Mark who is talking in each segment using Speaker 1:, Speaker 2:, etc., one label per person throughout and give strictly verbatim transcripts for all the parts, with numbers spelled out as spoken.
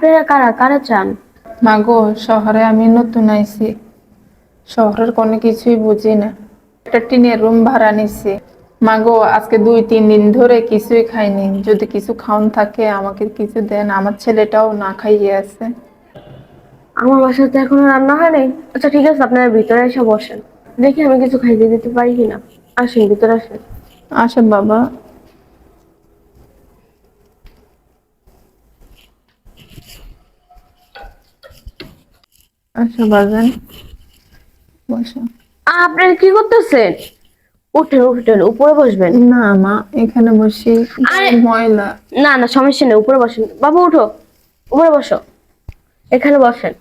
Speaker 1: আপনারা কারা কারা চান?
Speaker 2: মাগো, শহরে আমি নতুন আইছি, শহরের কোনো কিছুই বুঝি না। একটা টিনের রুম ভাড়া নিছি। মাগো, আজকে দুই তিন দিন ধরে কিছুই খাইনি। যদি কিছু খাওন থাকে আমাকে কিছু দেন, আমার ছেলেটাও না খাইয়ে আছে।
Speaker 1: আমার বাসাতে এখনো রান্না হয় নাই। আচ্ছা ঠিক আছে, আপনারা ভিতরে এসে বসেন, দেখি আমি কিছু খাইতে দিতে পারি কিনা। আসেন ভিতরে আসেন।
Speaker 2: আসেন বাবা। আচ্ছা বাজান, বসো।
Speaker 1: আপনারা কি করতেছেন? উঠেন উঠেন, উপরে বসবেন।
Speaker 2: না মা, এখানে বসি,
Speaker 1: আরে
Speaker 2: ময়লা।
Speaker 1: না না, সমস্যা নেই, উপরে বসেন। বাবু উঠো, উপরে বসো, এখানে বসেন।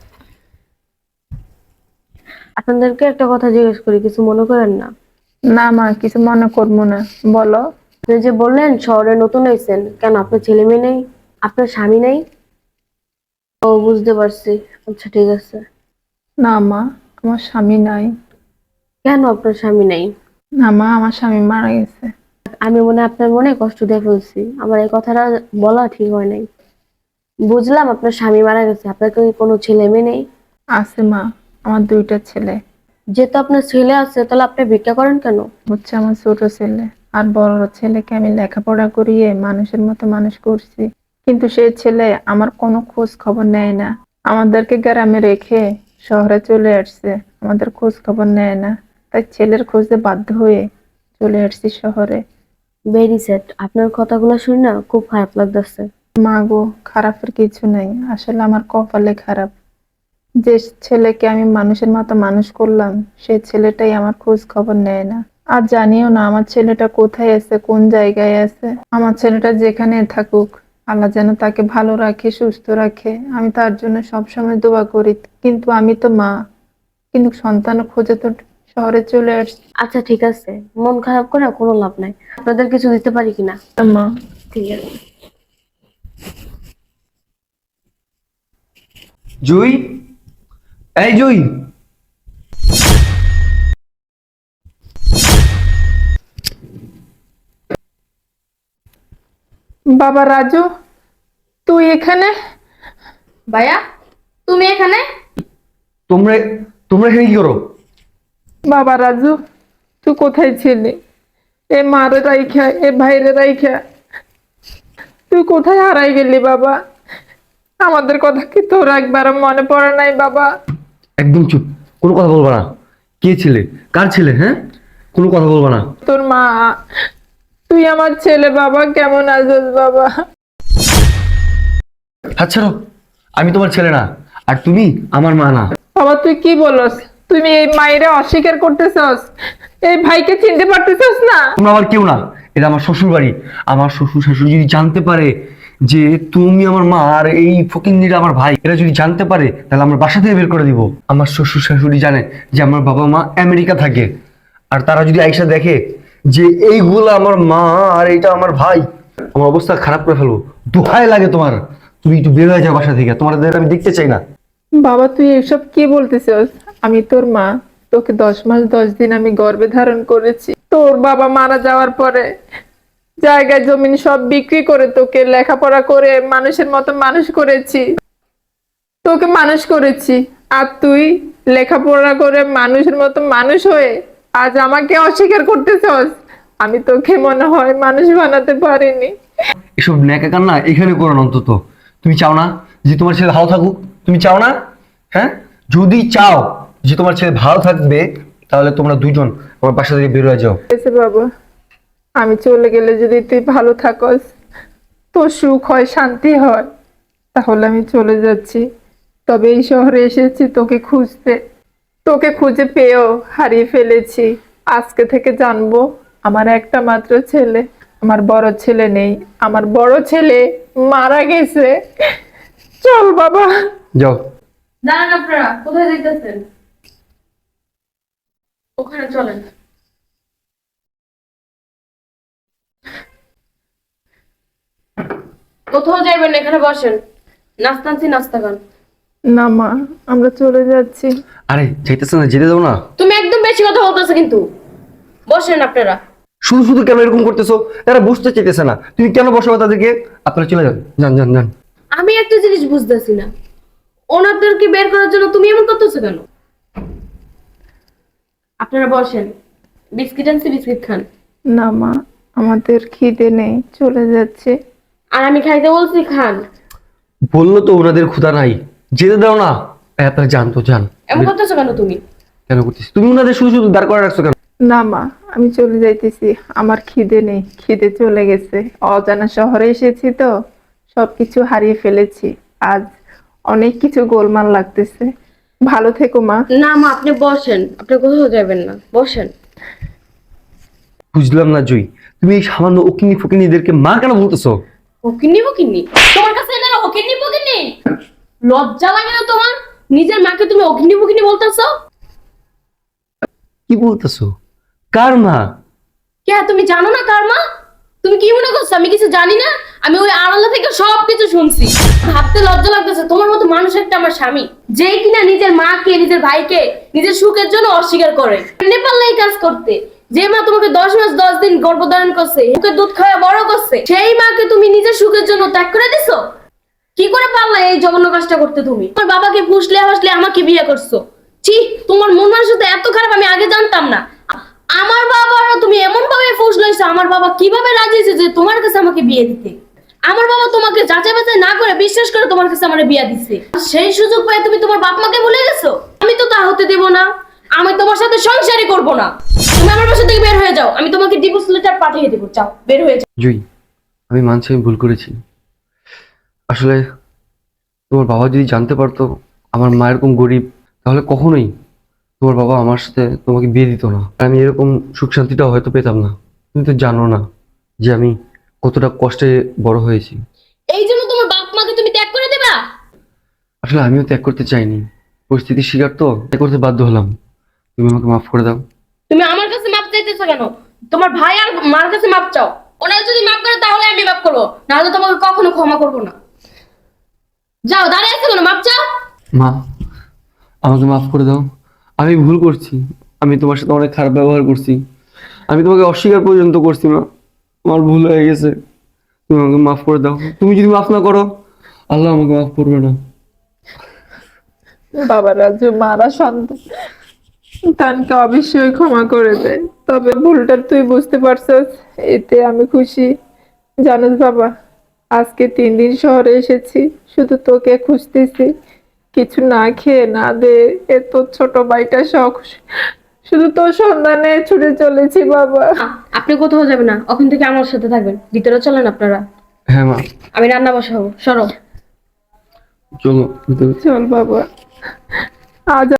Speaker 1: আপনাদেরকে একটা কথা জিজ্ঞেস করি, কিছু মনে করেন না?
Speaker 2: না মা, কিছু মনে করবো না, বলো।
Speaker 1: আপনি যে বললেন শহরে নতুন হয়েছেন, কেন আপনার ছেলে মেয়ে নেই? আপনার স্বামী নেই? ও বুঝতে পারছি। আচ্ছা ঠিক আছে।
Speaker 2: না মা, আমার স্বামী নাই।
Speaker 1: কেন আপনার স্বামী নেই?
Speaker 2: না মা, আমার স্বামী মারা গেছে।
Speaker 1: আমি মনে হয় আপনার মনে কষ্ট দিয়ে ফেলছি, আমার এই কথাটা বলা ঠিক হয় নাই। বুঝলাম আপনার স্বামী মারা গেছে, আপনার কি কোনো ছেলে মেয়ে নেই?
Speaker 2: আছে মা, আমার দুইটা ছেলে।
Speaker 1: যেহেতু আপনার ছেলে আছে, তাহলে আপনি ভিক্ষা করেন কেন?
Speaker 2: হচ্ছে আমার ছোট ছেলে, আর বড় ছেলেকে আমি লেখাপড়া করিয়ে মানুষের মতো মানুষ করছি, কিন্তু সেই ছেলে আমার কোনো খোঁজ খবর নেয় না। আমাদেরকে গ্রামে রেখে শহরে চলে আসছে, আমাদের খোঁজ খবর নেয় না। তাই ছেলের খোঁজে বাধ্য হয়ে চলে আসছি শহরে।
Speaker 1: ভেরি স্যাড, আপনার কথাগুলো শুনে না খুব খারাপ লাগতেছে।
Speaker 2: মা গো, খারাপের কিছু নাই, আসলে আমার কপালে খারাপ। যে ছেলেকে আমি মানুষের মতো মানুষ করলাম, সেই ছেলেটাই আমার খোঁজ খবর নেয় না। আর জানিও না আমার ছেলেটা কোথায় আছে, কোন জায়গায় আছে। আমার ছেলেটা যেখানে থাকুক, আল্লাহ যেন তাকে ভালো রাখে, সুস্থ রাখে। আমি তার জন্য সবসময় দোয়া করি, কিন্তু আমি তো মা, কিন্তু সন্তান খোঁজে তো শহরে চলে আসছি।
Speaker 1: আচ্ছা ঠিক আছে, মন খারাপ করে কোনো লাভ নাই। আপনাদের কিছু দিতে পারি কিনা?
Speaker 2: মা,
Speaker 1: ঠিক আছে।
Speaker 3: জুই, এই জুই।
Speaker 2: বাবা রাজু, তুই এখানে?
Speaker 4: ভাইয়া, তুমি এখানে?
Speaker 3: তোমরা তোমরা এখানে কি করো?
Speaker 2: বাবা রাজু, তুই কোথায় ছিলি? এ মারে রাইখা, এ ভাইরে রাইখা তুই কোথায় হারাই গেলি বাবা? আমাদের কথা কি তোর একবার মনে পড়ে নাই বাবা?
Speaker 3: একদম চুপ, কোনো কথা বলবা না। কে ছিলে? কার ছেলে? হ্যাঁ, কোনো কথা বলবা না।
Speaker 2: তোর মা। তুই আমার ছেলে বাবা, কেমন আছিস বাবা?
Speaker 3: হাত ছাড়ো, আমি তোমার ছেলে না, আর তুমি আমার মা না।
Speaker 2: বাবা তুই কি বলস? তুমি এই মায়েরে অস্বীকার করতেছস? এই ভাইকে চিনতে পারতেছস না?
Speaker 3: তোমরা আমার কেউ না, এটা আমার শ্বশুর বাড়ি। আমার শ্বশুর শাশুড়ি যদি জানতে পারে যে তুমি আমার মা আর এই ফকিন্দিরা আমার ভাই, এরা যদি জানতে পারে তাহলে আমার বাসা থেকে বের করে দিব। আমার শ্বশুর শাশুড়ি জানে যে আমার বাবা মা আমেরিকা থাকে, আর তারা যদি আইসা দেখে যে এইগুলো আমার মা আর এইটা আমার ভাই, আমার অবস্থা খারাপ করে ফেলবো। দোহাই লাগে তোমার, তুমি একটু বের হয়ে যাও বাসা থেকে, তোমাদের আমি দেখতে চাই না।
Speaker 2: বাবা তুই এসব কি বলতেছস? আমি তোর মা, তোকে দশ মাস দশ দিন আমি গর্ভে ধারণ করেছি। তোর বাবা মারা যাওয়ার পরে জায়গা জমিন সব বিক্রি করে তোকে লেখাপড়া করে মানুষের মতো মানুষ করেছি, তোকে মানুষ করেছি। আর তুই লেখাপড়া করে মানুষের মতো মানুষ হয়ে আজ আমাকে অস্বীকার করতেছস? আমি তোকে মনে হয় মানুষ বানাতে পারিনি।
Speaker 3: এসব ন্যাকা কান্না এখানে করো না অন্তত। তুমি চাও না যে তোমার ছেলে ভালো থাকুক? তুমি চাও না? হ্যাঁ, যদি চাও যে তোমার ছেলে ভালো থাকবে, তাহলে তোমরা দুজন আমার বাসা থেকে বের হয়ে যাও।
Speaker 2: এসে বাবা, আমি চলে গেলে যদি তুই ভালো থাকস, তোর সুখ হয়, শান্তি হয়, তাহলে আমি চলে যাচ্ছি। তবে এই শহরে এসেছি তোকে খুঁজতে, তোকে খুঁজে পেয়েও হারিয়ে ফেলেছি। আজকে থেকে জানবো আমার একটা মাত্র ছেলে, আমার বড় ছেলে নেই, আমার বড় ছেলে মারা গেছে। চল বাবা।
Speaker 3: যাও।
Speaker 4: দাঁড়ান, আপনারা কোথায় যাইতেছেন?
Speaker 1: ওখানে চলেন। কোথাও যাইবেন না, এখানে বসেন। নাস্তা আনছি, নাস্তা খান।
Speaker 2: না মা, আমরা চলে যাচ্ছি।
Speaker 3: আরে যাইতেছে না, যেতে দাও না।
Speaker 1: তুমি একদম বেশি কথা বলতেছো কিন্তু। বসেন আপনারা।
Speaker 3: শুধু শুধু কেন এরকম করতেছো? এরা বুঝতে চাইতেছে না, তুমি কেন বসাবো তাদেরকে? আপনারা চলে যান, যান যান যান।
Speaker 1: আমি একটা জিনিস বুঝতেছি না, ওনাদেরকে বের করার জন্য তুমি এমন করতেছো কেন? আপনারা বসেন, বিস্কিট আনছি, বিস্কিট খান।
Speaker 2: না মা, আমাদের খিদে নেই, চলে যাচ্ছে।
Speaker 1: আর আমি খাইতে বলছি, খান।
Speaker 3: বললো তো ওনাদের ক্ষুধা নাই, যেতে দাও না। এই, আপনারা যান তো, যান।
Speaker 1: এমন করতেছো কেন তুমি?
Speaker 3: কেন করতেছি? তুমি ওনাদের শুধু শুধু দাঁড় করে রাখছো কেন?
Speaker 2: না মা, আমি চলে যাইতেছি, আমার খিদে নেই, খিদে চলে গেছে। অজানা শহরে এসেছি তো, সবকিছু হারিয়ে ফেলেছি। আজ অনেক কিছু গোলমাল লাগতেছে। ভালো থেকো মা।
Speaker 1: না মা, আপনি বসেন, আপনি কোথাও যাবেন না, বসেন।
Speaker 3: বুঝলাম না জুই, তুমি এই সামান্য ওকিনি ফকিনিদেরকে মা কেন বলতেছো?
Speaker 1: ওকিন্নি বকিন্নি? তোমার কাছে এনারা ওকিন্নি বকিন্নি? লজ্জা লাগে না তোমার? নিজের মাকে তুমি অগ্নি বকিনি বলতেছো?
Speaker 3: কি বলতেছো? কার মা?
Speaker 1: কে, তুমি জানো না কার মা? তুমি কি মনে করছো আমি কিছু জানি না? আমি ওই আড়ালা থেকে সবকিছু শুনছি। ভাবতে লজ্জা লাগতেছে, তোমার মতো মানুষ একটা আমার স্বামী, যে কিনা নিজের মাকে, নিজের ভাইকে নিজের সুখের জন্য অস্বীকার করে। নেপালে এই কাজ করতে, যে মা তোমাকে দশ মাস দশ দিন গর্ভধারণ করছে, মুখে দুধ খাওয়া বড় করছে, সেই মাকে তুমি নিজের সুখের জন্য ত্যাগ করে দিছো? কি করে পারলা এই জঘন্য কাজটা করতে? তুমি তোমার বাবাকে ফুসলে হাসলে আমাকে বিয়ে করছো। ছি, তোমার মন মানসিকতা এত খারাপ, আমি আগে জানতাম না। আমার বাবারও তুমি এমন ভাবে ফুসলাইছো, আমার বাবা কিভাবে রাজি হয়েছে যে তোমার কাছে আমাকে বিয়ে দিতে? আমার বাবা তোমাকে যাচাই বাছাই না করে বিশ্বাস করে তোমার কাছে আমার বিয়ে দিছে। সেই সুযোগ পেয়ে তুমি তোমার বাপ মাকে ভুলে গেছো। আমি তো তা হতে দেব না, আমি তোমার সাথে সংসারই করব না। তুমি আমার বাসা থেকে বের হয়ে যাও, আমি তোমাকে ডিভোর্স লেটার পাঠিয়ে দেবো। যাও, বের হয়ে যাও।
Speaker 3: জুই, আমি মানছি আমি ভুল করেছি। আসলে তোমার বাবা যদি জানতে পারতো আমার মা এরকম গরিব, তাহলে কখনোই তোমার বাবা আমার সাথে তোমাকে বিয়ে দিত না। আর আমি এরকম সুখ শান্তিটাও হয়তো পেতাম না। তুমি তো জানো না যে আমি কতটা কষ্টে বড় হয়েছি।
Speaker 1: এই জন্য তোমার বাপ মাকে তুমি ত্যাগ করে দেবা?
Speaker 3: আসলে আমিও ত্যাগ করতে চাইনি, পরিস্থিতির শিকার তো, ত্যাগ করতে বাধ্য হলাম। তুমি আমাকে মাফ করে দাও।
Speaker 1: তুমি আমার কাছে মাপ চাইতেছো কেন? তোমার ভাই আর মার কাছে মাপ চাও। ওনারা যদি মাপ করে তাহলে আমি মাপ করবো, নাহলে তোমাকে কখনো ক্ষমা করবো না। যাও, দাঁড়িয়ে আছো কেন? মাপ চাও।
Speaker 3: মা, আমাকে মাফ করে দাও। আমি ভুল করছি, আমি তোমার সাথে অনেক খারাপ ব্যবহার করছি, আমি তোমাকে অস্বীকার পর্যন্ত করছি। মা, আমার ভুল হয়ে গেছে, তুমি আমাকে মাফ করে দাও। তুমি যদি মাফ না করো, আল্লাহ আমাকে মাফ করবে না।
Speaker 2: বাবা রাজু, মারা সন্তানকে অবশ্যই ক্ষমা করে দেয়, তবে ভুলটা তুই বুঝতে পারছিস, এতে আমি খুশি। জানিস বাবা, আজকে তিন দিন শহরে এসেছি, শুধু তোকে খুঁজতেছি। কিছু না খেয়ে না দে এ তোর ছোট ভাইটা শখ, শুধু তোর সন্ধানে ছুটে চলেছি বাবা।
Speaker 1: আ- আপনি কোথাও যাবেন না, ওখান থেকে আমার সাথে থাকবেন। ভিতরে চলেন আপনারা,
Speaker 3: হ্যাঁ মা,
Speaker 1: আমি রান্না বসাবো। সরো।
Speaker 3: চলো ভিতরে।
Speaker 2: চল বাবা, আজ